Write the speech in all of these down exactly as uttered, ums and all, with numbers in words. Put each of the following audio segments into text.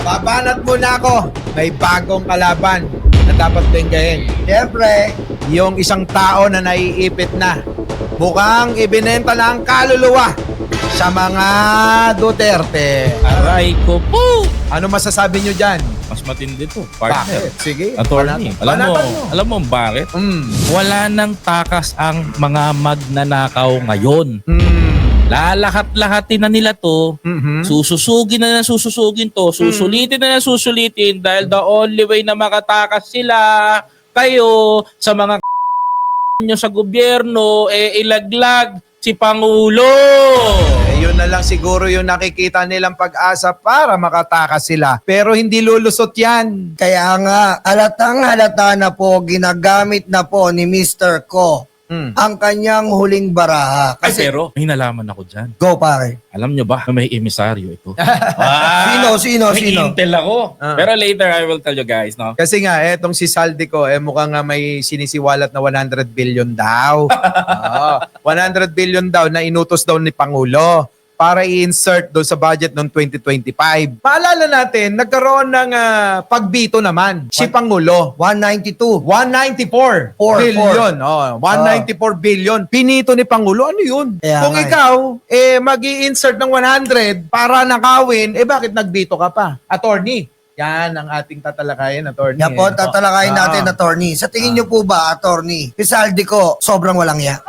Babanat muna ako. May bagong kalaban na dapat tinggahin. Siyempre, yung isang tao na naiipit na. Mukhang ibinenta na ang kaluluwa sa mga Duterte. Aray ko po! Ano masasabi nyo dyan? Mas matindi to, partner. Bakit? Sige. Attorney, banatan- alam mo, banatan mo. alam mo bakit? Mm. Wala nang takas ang mga magnanakaw ngayon. Mm. Lalahat-lahatin na nila to. Mhm. Sususugin na na sususugin to. Susulitin na na susulitin dahil the only way na makatakas sila kayo sa mga nyo sa gobyerno, eh ilaglag si Pangulo. Eh, yun na lang siguro yung nakikita nilang pag-asa para makatakas sila. Pero hindi lulusot yan. Kaya nga, halatang halata na po, ginagamit na po ni mister Ko Mm. ang kanyang huling baraha. Ay, Kasi, pero may nalaman ako dyan. go pare. Alam nyo ba na may emisaryo ito? Sino, sino, may sino? intel ako. Ah. Pero later I will tell you guys, no? Kasi nga, etong si Saldico, eh, mukhang nga may sinisiwalat na one hundred billion daw. Oo. one hundred billion daw na inutos daw ni Pangulo para i-insert doon sa budget noong twenty twenty-five. Maalala natin, nagkaroon ng ah, pagbito naman si Pangulo. one ninety-two. one ninety-four Four, billion. Oh, one ninety-four billion. Pinito ni Pangulo. Ano yun? Kaya Kung nga eh. ikaw, eh, mag insert ng one hundred para nakawin, eh bakit nagbito ka pa? Attorney. Yan ang ating tatalakayin, attorney. Yan po, eh. tatalakayin Ah. natin, attorney. Sa tingin niyo po ba, attorney, si Saldi ko, sobrang walang ya?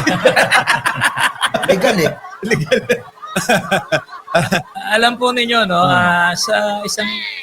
Legal eh. Alam po ninyo, no, ah, sa isang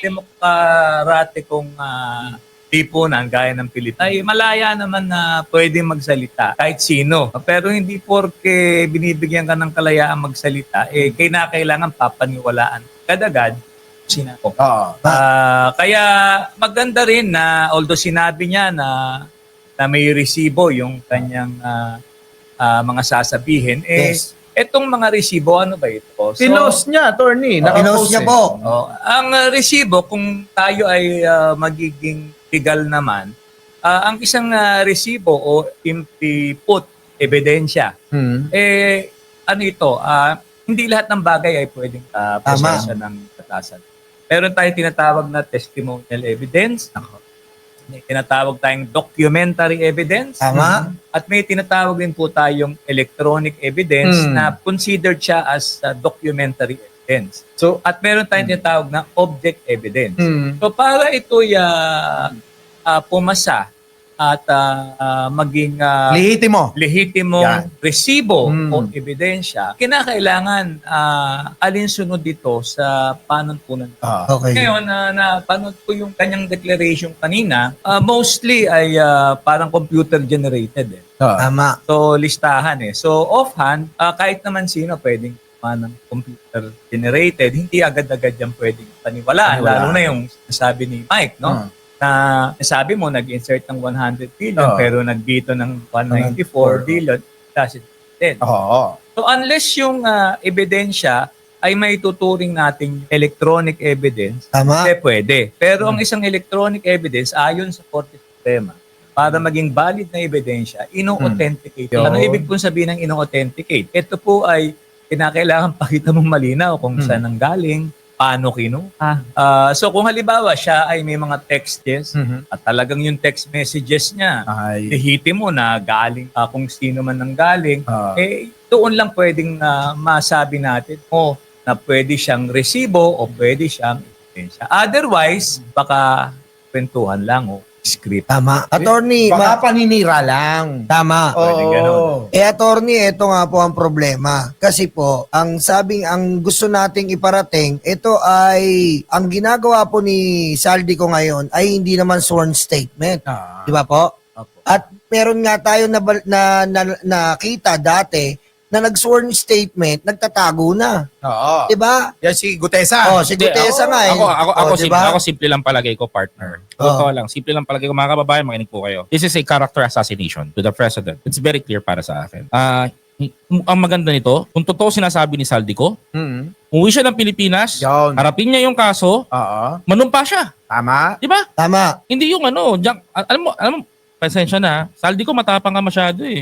demokratikong uh, lipunan gaya ng Pilipinas, ay malaya naman na pwede magsalita kahit sino. Pero hindi porke binibigyan ka ng kalayaan magsalita, eh kailangan papaniwalaan kadagad sina ko. Oo. Ah, kaya maganda rin na although sinabi niya na na may resibo yung kanyang ah, ah, mga sasabihin, eh Yes. etong mga resibo, ano ba ito? So, Pinost niya, attorney. Pinost Nakapost niya eh. po. oh, ang uh, resibo, kung tayo ay ah, magiging legal naman, ah, ang isang ah, resibo o input, ebidensya, Hmm. eh, ano ito, ah, hindi lahat ng bagay ay pwedeng uh, proseso ng batasan. Meron tayong tinatawag na testimonial evidence, may tinatawag tayong documentary evidence, Tama? at may tinatawag din po tayong electronic evidence Mm. na considered siya as uh, documentary evidence. So, At meron tayong tinatawag na object evidence. hmm. So para ito'y uh, uh, pumasa at uh, uh, maging uh, Lehitimo. lehitimong Yan. resibo Mm. o ebidensya, kinakailangan uh, alinsunod dito sa panuntunan. Ah. Okay. Ngayon, na na panood ko yung kanyang declaration kanina, uh, mostly ay uh, parang computer generated eh. Ah. Tama. So, listahan eh. So, offhand, uh, kahit naman sino pwedeng gumawa ng computer generated, hindi agad-agad yan pwedeng paniwalaan. Paniwalaan. Lalo na yung sabi ni Mike, no? Ah. Na sabi mo, nag-insert ng one hundred billion Oo. pero nagbito ng one ninety-four billion, doesn't make sense. Oo. So, unless yung uh, ebidensya ay may tuturing nating electronic evidence, Tama? eh, pwede. Pero ang isang electronic evidence, ayon sa Korte Suprema, para maging valid na ebidensya, ino-authenticate. Hmm. Ano Yun. ibig pong sabihin ng ino-authenticate? Ito po ay kinakailangan pakita mong malinaw kung Hmm. saan ang galing, paano kinuha. Ah, so kung halimbawa siya ay may mga texts Mhm. at talagang yung text messages niya, Ay. ihiti mo na galing ah, kung sino man nang galing, Ah. eh doon lang pwedeng ah, masabi natin o na pwede siyang resibo o pwede siyang ebidensya. Otherwise, baka kwentuhan lang o script. Tama. Attorney, Baka ma- paninira lang. tama. Pwede ganun. Oo. Eh, attorney, ito nga po ang problema. Kasi po, ang sabing, ang gusto nating iparating, ito ay, ang ginagawa po ni Saldi ko ngayon ay hindi naman sworn statement. Ah. Di ba po? Opo. At meron nga tayo na, na, na, nakita dati na nag-sworn statement, nagtatago na. Oo. Di ba? Yan si Gutesa. Oh, si Hindi, Gutesa ako- nga eh. Ako, ako, ako, Oh, di simple, ba? ako simple lang palagay ko, partner. Oh. Totoo lang, simple lang palagay ko. Mga kababayan, makinig po kayo. This is a character assassination to the president. It's very clear para sa akin. Ah, ang maganda nito, kung totoo sinasabi ni Saldico, Mhm. umuwi siya ng Pilipinas, Yun. harapin niya yung kaso, Oo. manumpa siya. Tama. Di ba? Tama. Hindi yung ano, diyan, al- alam mo, alam mo, pasensya na, Saldico matapang ka masyado eh.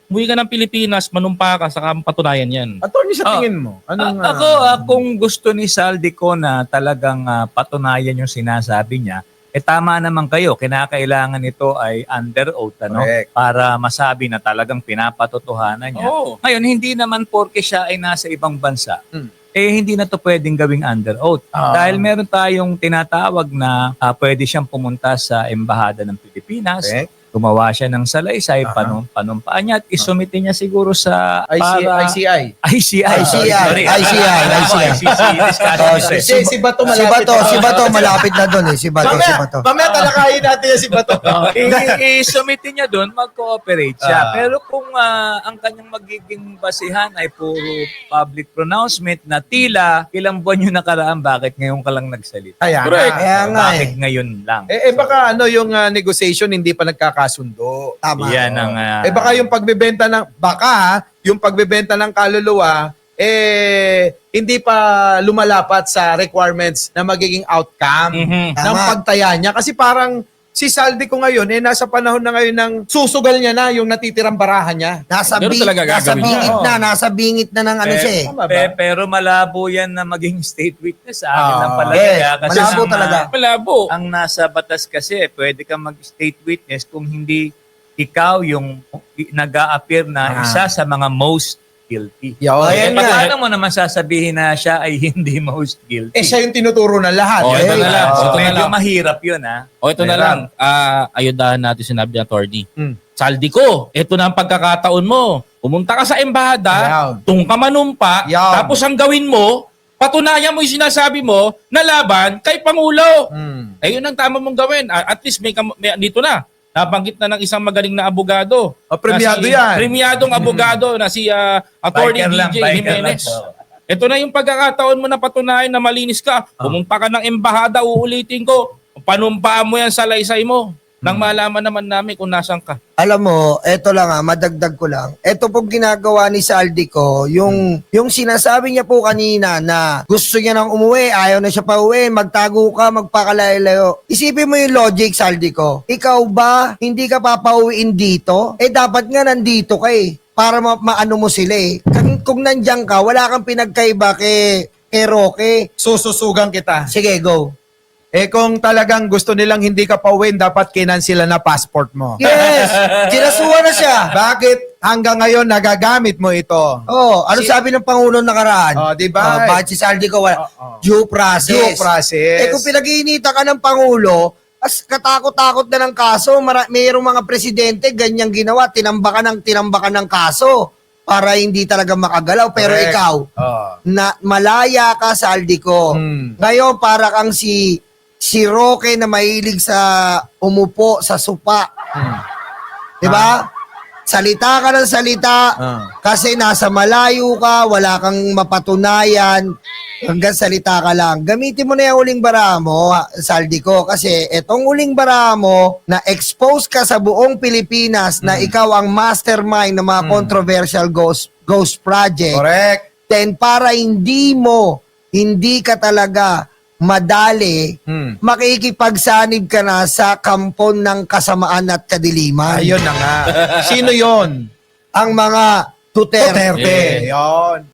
Umuwi ka ng Pilipinas, manumpa ka, saka patunayan yan. Attorney, sa Oh. tingin mo, anong... A- ako, ah, ah, kung gusto ni Saldico na talagang ah, patunayan yung sinasabi niya, eh tama naman kayo, kinakailangan ito ay under oath, ano? Correct. Para masabi na talagang pinapatotohanan niya. Oo. Ngayon, hindi naman porke siya ay nasa ibang bansa, Hmm. eh hindi na to pwedeng gawing under oath. Ah. Dahil meron tayong tinatawag na ah, pwede siyang pumunta sa Embahada ng Pilipinas, Correct. gumawa siya ng salaysay, Aha. panum panumpaan niya at isumite niya siguro sa I C I. para- I C I. I C I. I C I, Sorry. I C I, I C I. I C I discussion Oh, ito eh. Si, si Bato Si malapit. Bato, si Bato, malapit na doon eh. Si Bato, si Mamaya, Bato. mamaya talakayin natin yan si Bato. I- I-submit niya doon, mag-cooperate siya. Ah. Pero kung ah, ang kanyang magiging basihan ay puro public pronouncement na tila ilang buwan yung nakaraan, bakit ngayon ka lang nagsalita? Kaya Correct. nga. Kaya nga bakit eh. ngayon lang? Eh, eh baka ano yung ah, negotiation hindi pa nagkakasundo. Tama. Yan ang... ah, Eh baka yung pagbebenta ng baka ha, yung pagbebenta ng kaluluwa eh hindi pa lumalapat sa requirements na magiging outcome Mhm. ng Tama. pagtaya niya kasi parang si Saldi ko ngayon eh nasa panahon na ngayon ng susugal niya na yung natitirang barahan niya. Nasa, Ganun bi- talaga nasa gagawin bingit niya. na, nasa bingit na ng ano Eh, siya eh. Tama ba? pe- pero malabo yan na maging state witness sa akin Ah, ng palagay. yes. ah, kasi Malabo ang, ah, talaga. Malabo. Ang nasa batas kasi, pwede kang mag-state witness kung hindi ikaw yung nag-a-appear na Ah. isa sa mga most guilty. Yo, Oh, Eh, yan nga. paano mo naman sasabihin na siya ay hindi most guilty? eh siya yung tinuturo ng lahat. Oh, ito Eh, na lang. ah, Ito na Medyo lang. mahirap yun, ha? O ito na Meron. lang, ah ayudahan natin sinabi ng attorney. Hmm. Saldi ko, ito na ang pagkakataon mo. Pumunta ka sa embahada, Ayan. tung ka manumpa, Ayan. tapos ang gawin mo, patunayan mo yung sinasabi mo na laban kay Pangulo. Hmm. Eh yun ang tama mong gawin. Ah, at least may, kam- may dito na. Nabanggit na ng isang magaling na abogado. Oh, premiado Na si- yan. Premiadong abogado na si ah, Attorney Biker lang, D J biker Jimenez. lang. Ito na yung pagkakataon mo na patunayan na malinis ka. Pumunta ka ng embahada, uulitin ko. Panumpaan mo yan sa laysay mo. Nang malaman naman namin kung nasan ka. Alam mo, eto lang ah, madagdag ko lang. Eto pong ginagawa ni Saldico, yung yung sinasabi niya po kanina na gusto niya nang umuwi, ayaw na siya pa uwi, magtago ka, magpakalayo-layo. Isipin mo yung logic, Saldico. Ikaw ba hindi ka papauwiin dito? Eh dapat nga nandito ka eh para ma- maano mo sila eh. Kung, kung nandiyan ka, wala kang pinagkaiba kay, kay Roque. Sususugan kita. Sige, go. Eh kung talagang gusto nilang hindi ka pauwiin, dapat kinansila na passport mo. Yes! Kinasuhan na siya. Bakit hanggang ngayon nagagamit mo ito? Oh, ano Si- sabi ng Pangulo nakaraan? Oh, di ba? Oh, bakit si Saldico wala? Oh, oh. Due process. Due process. Eh kung pinag-iinita ka ng Pangulo, as katakot-takot na ng kaso, mara- mayroong mga presidente, ganyang ginawa, tinambakan ng tinambakan ng kaso para hindi talaga makagalaw. Pero Correct. ikaw, Oh. na malaya ka sa Saldico. Hmm. Ngayon, para kang si si Roque na mahilig sa umupo sa supa. Hmm. Di ba? Salita ka ng salita Ah. kasi nasa malayo ka, wala kang mapatunayan, hanggang salita ka lang. Gamitin mo na yung uling bara mo, Saldico, kasi etong uling bara mo na expose ka sa buong Pilipinas na ikaw ang mastermind ng mga controversial ghost ghost project. Correct. Then para hindi mo, hindi ka talaga madali, Hmm. makikipagsanib ka na sa kampon ng kasamaan at kadiliman. Ayun na nga. Sino yon? Ang mga Duterte. Duterte. Yon.